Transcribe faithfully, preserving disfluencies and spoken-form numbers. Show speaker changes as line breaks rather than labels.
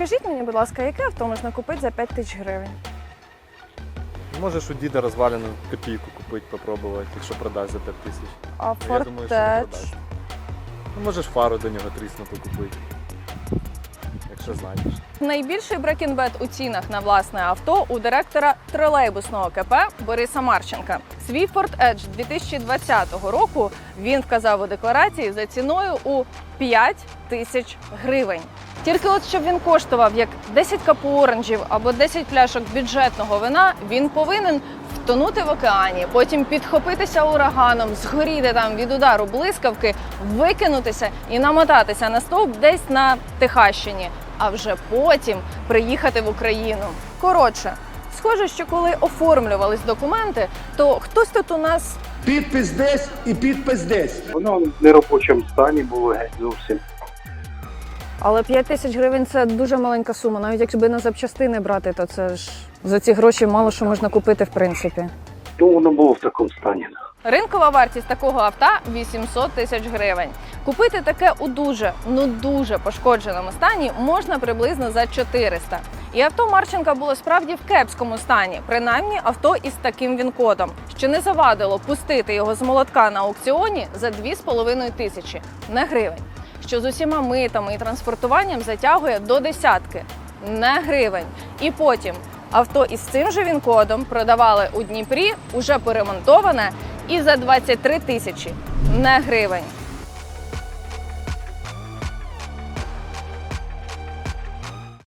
Підскажіть мені, будь ласка, яке авто можна купити за п'ять тисяч гривень?
Можеш у діда розвалену копійку купити, попробувати, якщо продасть за п'ять тисяч.
А
Я думаю, що не
Фортеч?
продасть. Ну, можеш фару до нього тріснуту купити, якщо знайдеш.
Найбільший брекінбет у цінах на власне авто у директора тролейбусного КП Бориса Марченка. Свій Ford Edge дві тисячі двадцятого року він вказав у декларації за ціною у п'ять тисяч гривень. Тільки от щоб він коштував як десять капу оранжів або десять пляшок бюджетного вина, він повинен втонути в океані, потім підхопитися ураганом, згоріти там від удару блискавки, викинутися і намотатися на стовп десь на Техащині, а вже потім приїхати в Україну. Коротше, схоже, що коли оформлювались документи, то хтось тут у нас
Підпис десь і підпис десь.
Воно в неробочому стані було геть зовсім.
Але п'ять тисяч гривень – це дуже маленька сума. Навіть якби на запчастини брати, то це ж за ці гроші мало що можна купити в принципі.
Ну, воно було в такому стані.
Ринкова вартість такого авто – вісімсот тисяч гривень. Купити таке у дуже, ну дуже пошкодженому стані можна приблизно за чотириста. І авто Марченка було справді в кепському стані, принаймні авто із таким він-кодом, що не завадило пустити його з молотка на аукціоні за дві з половиною тисячі, не гривень. Що з усіма митами і транспортуванням затягує до десятки, не гривень. І потім авто із цим же він-кодом продавали у Дніпрі, уже поремонтоване, і за двадцять три тисячі, не гривень.